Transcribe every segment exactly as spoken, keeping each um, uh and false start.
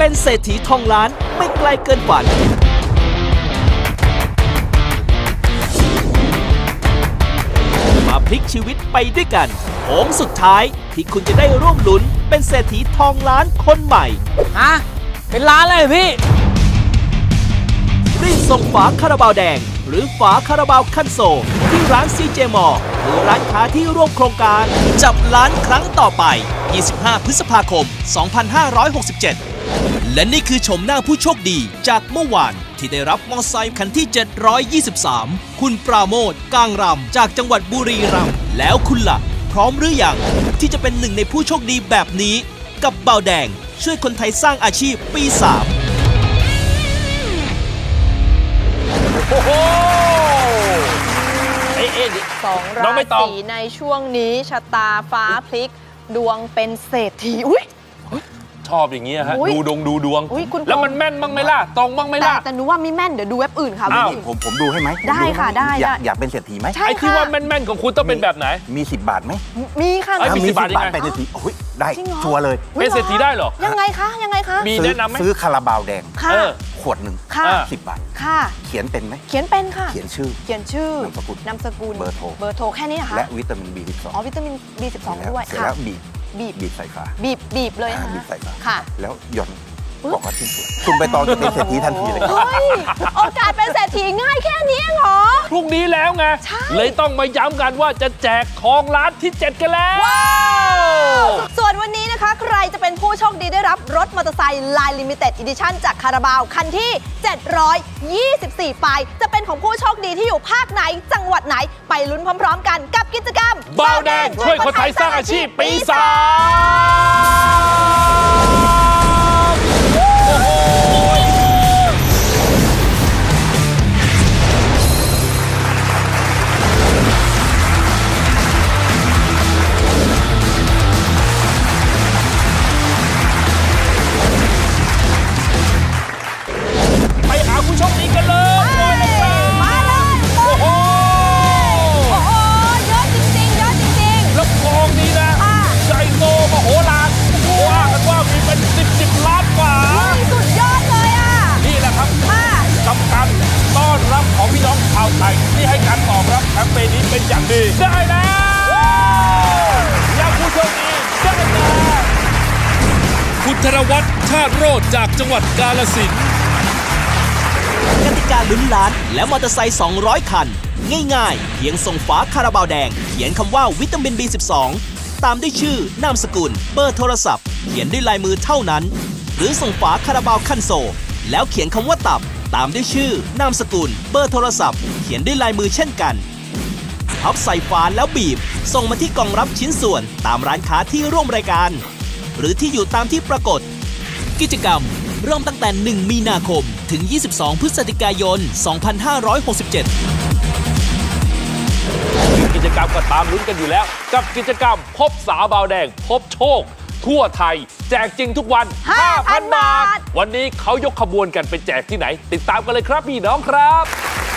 เป็นเศรษฐีทองล้านไม่ไกลเกินฝันมาพลิกชีวิตไปด้วยกันโค้งสุดท้ายที่คุณจะได้ร่วมลุ้นเป็นเศรษฐีทองล้านคนใหม่ฮะเป็นล้านเลยพี่รีบส่งฝาคาราบาวแดงหรือฝาคาราบาวคันโซลที่ร้านซีเจมอลหรือร้านค้าที่ร่วมโครงการจับล้านครั้งต่อไปยี่สิบห้าพฤษภาคมสองพันห้าร้อยหกสิบเจ็ดและนี่คือชมหน้าผู้โชคดีจากเมื่อวานที่ได้รับมอเตอร์ไซค์คันที่เจ็ดร้อยยี่สิบสามคุณปราโมทย์กางรำจากจังหวัดบุรีรัมย์แล้วคุณล่ะพร้อมหรือยังที่จะเป็นหนึ่งในผู้โชคดีแบบนี้กับเบาแดงช่วยคนไทยสร้างอาชีพปีสามโอ้โหเอ๊ะเอ๊ะสองราศีในช่วงนี้ชะตาฟ้าพลิกดวงเป็นเศรษฐีอุ้ยชอบอย่างเงี้ยฮะดูดวงดูดวงแล้วมันแม่นบ้างไหมล่ะตรงบ้างไหมล่ะแต่หนูว่าไม่แม่นเดี๋ยวดูเว็บอื่นค่ะผมผมดูให้ไหมได้ค่ะได้อยากอยากเป็นเศรษฐีไหมไอ้ที่ว่าแม่นๆของคุณต้องเป็นแบบไหนมีสิบบาทไหมมีค่ะมีสิบบาทเป็นเศรษฐีโอ้ยได้ชัวร์เลยเป็นเศรษฐีได้เหรอยังไงคะยังไงคะมีแนะนำไหมซื้อคาราบาวแดงขวดหนึ่งค่ะสิบบาทค่ะเขียนเป็นไหมเขียนเป็นค่ะเขียนชื่อเขียนชื่อนามสกุลนามสกุลเบอร์โทรเบอร์โทรแค่นี้นะคะและวิตามิน บี สิบสองอ๋อวิตามิน บี สิบสอง ด้วยค่ะแล้วบีบบีบบีบใส่ฝาบีบบีบเลยค่ะบีบใส่ฝาค่ะแล้วหย่อนบอกว่าชิ้นส่วนคุณไปตอนจะเป็นเศรษฐีทันทีเลยเฮ้ยโอกาสเป็นเศรษฐีง่ายแค่นี้เหรอพรุ่งนี้แล้วไงเลยต้องมาย้ำกันว่าจะแจกทองล้านที่เจ็ดกันแล้วส่วนวันนี้นะคะใครจะเป็นผู้โชคดีได้รับรถมอเตอร์ไซค์ลายลิมิเต็ดอีดิชั่นจากคาราบาวคันที่เจ็ดร้อยยี่สิบสี่ไปจะเป็นของผู้โชคดีที่อยู่ภาคไหนจังหวัดไหนไปลุ้นพร้อมๆกันกับกิจกรรมเบาแดงช่วยคนไทยสร้างอาชีพปีสามผู้โชคดีกันเลยมาเลยโอ้โหโอ้โหเยอะจริงๆเยอะจริงๆแล้วกองนี้นะใหญ่โตมโหฬารว่ากันว่ามีเป็นสิบสิบล้านกว่าสุดยอดเลยอ่ะนี่แหละครับกับการต้อนรับของพี่น้องชาวไทยที่ให้การตอบรับแคมเปญนี้เป็นอย่างดีได้แล้วอยากผู้โชคดีได้แล้วคุณธนวัฒน์ชาติโรจน์จากจังหวัดกาฬสินธุ์กติกาลุ้นล้านและมอเตอร์ไซค์สองร้อยคันง่ายๆเพียงส่งฝาคาราบาวแดงเขียนคำว่าวิตามิน บี สิบสอง ตามด้วยชื่อนามสกุลเบอร์โทรศัพท์เขียนด้วยลายมือเท่านั้นหรือส่งฝาคาราบาวคันโซลแล้วเขียนคำว่าตับตามด้วยชื่อนามสกุลเบอร์โทรศัพท์เขียนด้วยลายมือเช่นกันพับใส่ฝาแล้วบีบส่งมาที่กล่องรับชิ้นส่วนตามร้านค้าที่ร่วมรายการหรือที่อยู่ตามที่ปรากฏกิจกรรมเริ่มตั้งแต่หนึ่งมีนาคมถึงยี่สิบสองพฤศจิกายนสองพันห้าร้อยหกสิบเจ็ดกิจกรรมก็ตามลุ้นกันอยู่แล้วกับกิจกรรมพบสาวบาวแดงพบโชคทั่วไทยแจกจริงทุกวัน ห้าพัน บาทวันนี้เขายกขบวนกันไปแจกที่ไหนติดตามกันเลยครับพี่น้องครับ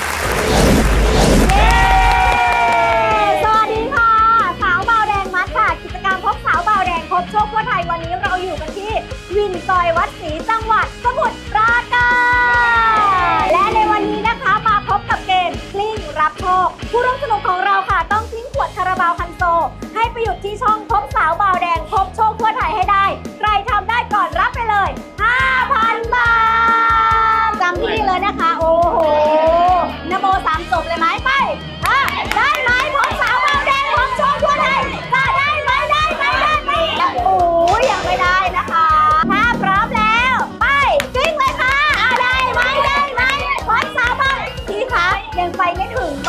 สวัสดีค่ะสาวบาวแดงมัดค่ะกิจกรรมพบสาวบาวแดงพบโชคทั่วไทยวันนี้เราอยู่กันที่วินซอยวัดศรีจังหวัดสมุทรปราการและในวันนี้นะคะมาพบกับเกมกลิ้งรับโชคผู้ร่วมสนุกของเราค่ะต้องกลิ้งขวดคาราบาวคันโซให้ไปหยุดที่ช่องพบสาวบาวแดงพบโชคทั่วไทยให้ได้ใครทำได้ก่อนรับไปเลย ห้าพัน บาทจำที่นี่เลยนะคะโอ้โหนโมสามจบเลยไหมไปได้ไหมพบสาวบาวแดงพบโชคทั่วไทยจะได้ไหมได้ไหมได้ไหมยังโอ้ยยังไม่ได้นะคะถ้าพร้อมแล้วไปกลิ้งเลยค่ะได้ไหมได้ไหมพบสาวบาวพี่คะยังไปไม่ถึง